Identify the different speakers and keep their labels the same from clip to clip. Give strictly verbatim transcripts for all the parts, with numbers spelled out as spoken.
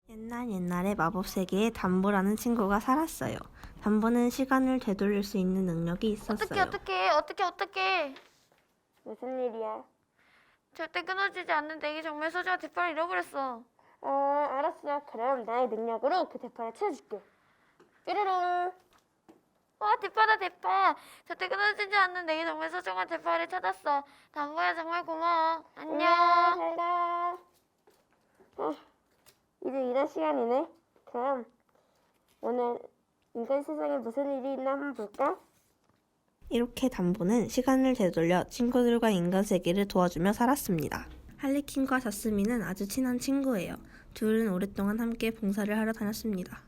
Speaker 1: 옛날 옛날에 마법 세계에 담보라는 친구가 살았어요. 담보는 시간을 되돌릴 수 있는 능력이 있었어요.
Speaker 2: 어떻게 어떻게 어떻게 어떻게
Speaker 3: 무슨 일이야?
Speaker 2: 절대 끊어지지 않는 내게 정말 소중한 대파를 잃어버렸어.
Speaker 3: 어, 알았어. 그럼 나의 능력으로 그 대파를 찾아줄게. 뾰로롱.
Speaker 2: 와 대파다 대파. 절대 끊어지지 않는 내게 정말 소중한 대파를 찾았어. 담보야 정말 고마워. 안녕.
Speaker 3: 잘 가. 어, 이제 일할 시간이네. 그럼 오늘 인간 세상에 무슨 일이 있나 한번 볼까?
Speaker 1: 이렇게 담보는 시간을 되돌려 친구들과 인간 세계를 도와주며 살았습니다. 할리퀸과 자스민은 아주 친한 친구예요. 둘은 오랫동안 함께 봉사를 하러 다녔습니다.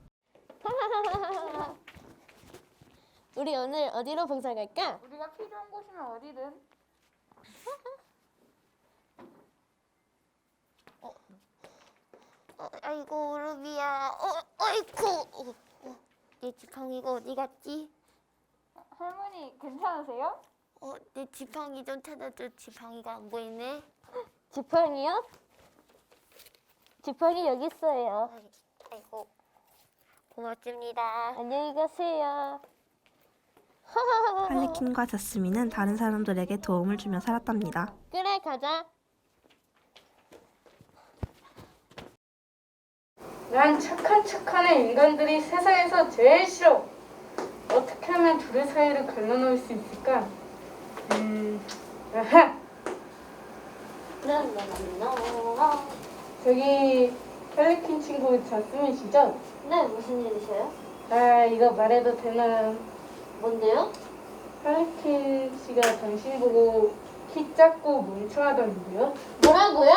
Speaker 3: 우리 오늘 어디로 봉사 갈까?
Speaker 2: 우리가 필요한 곳이면 어디든. 어, 어, 아이고 루비야. 어, 아이고. 어, 어, 내 지팡이가 어디 갔지?
Speaker 4: 할머니 괜찮으세요?
Speaker 2: 어, 내 지팡이 좀 찾아줘. 지팡이가 안 보이네.
Speaker 3: 지팡이요? 지팡이 여기 있어요.
Speaker 2: 아이, 아이고 고맙습니다.
Speaker 3: 안녕히 가세요.
Speaker 1: 할리퀸과 자스민은 다른 사람들에게 도움을 주며 살았답니다.
Speaker 3: 그래, 가자.
Speaker 4: 난 착한 척하는 인간들이 세상에서 제일 싫어. 어떻게 하면 둘의 사이를 갈라놓을 수 있을까? 음, 아하!
Speaker 3: 라라라라.
Speaker 4: 저기 할리퀸 친구 자스민씨죠?
Speaker 3: 네, 무슨 일이세요?
Speaker 4: 아, 이거 말해도 되나?
Speaker 3: 뭔데요?
Speaker 4: 할리퀸 씨가 당신 보고 키 작고 멍청하던데요?
Speaker 3: 뭐라고요?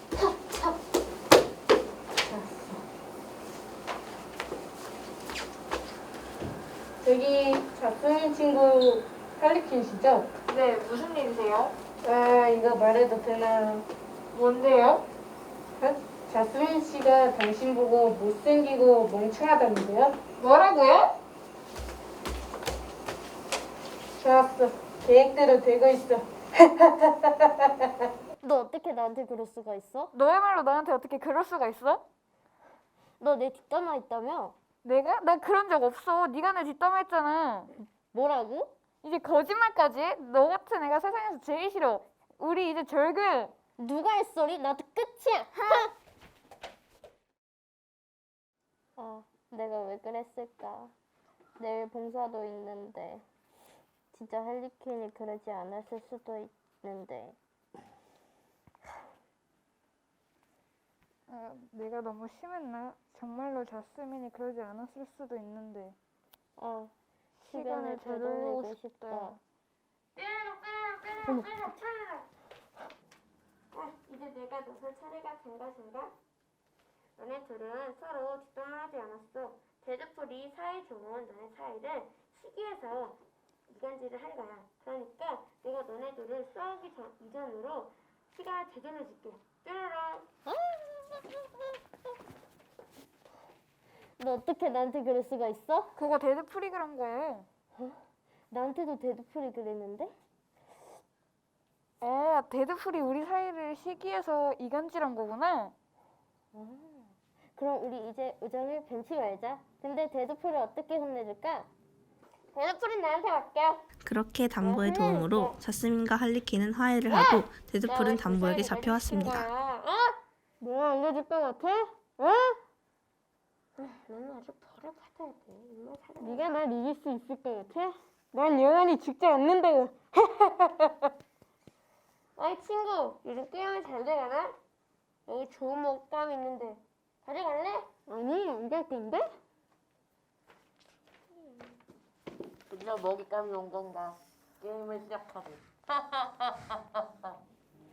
Speaker 4: 저기 자스민 친구 할리퀸 씨죠?
Speaker 2: 네, 무슨 일이세요?
Speaker 4: 아, 이거 말해도 되나?
Speaker 2: 뭔데요?
Speaker 4: 어? 자스민 씨가 당신 보고 못생기고 멍청하다는데요?
Speaker 2: 뭐라고요?
Speaker 4: 좋았어. 계획대로 되고 있어.
Speaker 3: 너 어떻게 나한테 그럴 수가 있어?
Speaker 4: 너야말로 나한테 어떻게 그럴 수가 있어?
Speaker 3: 너 내 뒷담화 있다며?
Speaker 4: 내가? 나 그런 적 없어. 네가 내 뒷담화 했잖아.
Speaker 3: 뭐라고?
Speaker 4: 이제 거짓말까지? 너 같은 애가 세상에서 제일 싫어. 우리 이제 절근.
Speaker 3: 누가 할 소리? 나도 끝이야. 아, 내가 왜 그랬을까? 내일 봉사도 있는데 진짜 할리퀸이 그러지 않았을 수도 있는데.
Speaker 4: 아, 내가 너무 심했나? 정말로 자스민이 그러지 않았을 수도 있는데.
Speaker 3: 어,
Speaker 4: 시간을
Speaker 3: 시간을
Speaker 4: 되돌리고
Speaker 3: 되돌리고
Speaker 4: 싶다.
Speaker 3: 싶다.
Speaker 2: 빼로 빼로 빼로 빼로 차례라. 아, 이제 내가 나설 차례가 된 것인가? 너네 둘은 서로 뒷담화하지 않았어. 데드풀이 사이 좋은 너네 사이를 시기해서 이간질을 할 거야. 그러니까 내가 너네 둘을 싸우기 전, 이전으로 시간을 되돌려줄게. 뾰로롱.
Speaker 3: 너 어떻게 나한테 그럴 수가 있어?
Speaker 4: 그거 데드풀이 그런 거예요.
Speaker 3: 나한테도 데드풀이 그랬는데?
Speaker 4: 아, 데드풀이 우리 사이를 시기해서 이간질한 거구나.
Speaker 3: 아, 그럼 우리 이제 우정을 벤치 말자. 근데 데드풀을 어떻게 혼내줄까?
Speaker 2: 데드풀은 나한테 맡겨.
Speaker 1: 그렇게 담보의 도움으로 자스민과 할리퀸은 화해를 하고 데드풀은 담보에게
Speaker 2: 그
Speaker 1: 잡혀왔습니다.
Speaker 2: 어?
Speaker 3: 내가 알려줄 것 같아? 어?
Speaker 2: 너는 아주 벌을 받아야 돼. 정말 사람.
Speaker 3: 네가 날 이길 수 있을 것 같아?
Speaker 4: 난 영원히 죽지 않는다고.
Speaker 2: 어이 친구, 요즘 게임은 잘 돼가나? 여기 좋은 먹방 있는데 가져갈래?
Speaker 3: 아니, 안 갈 건데?
Speaker 5: 드디어 먹잇감이 온 건가? 게임을 시작하고.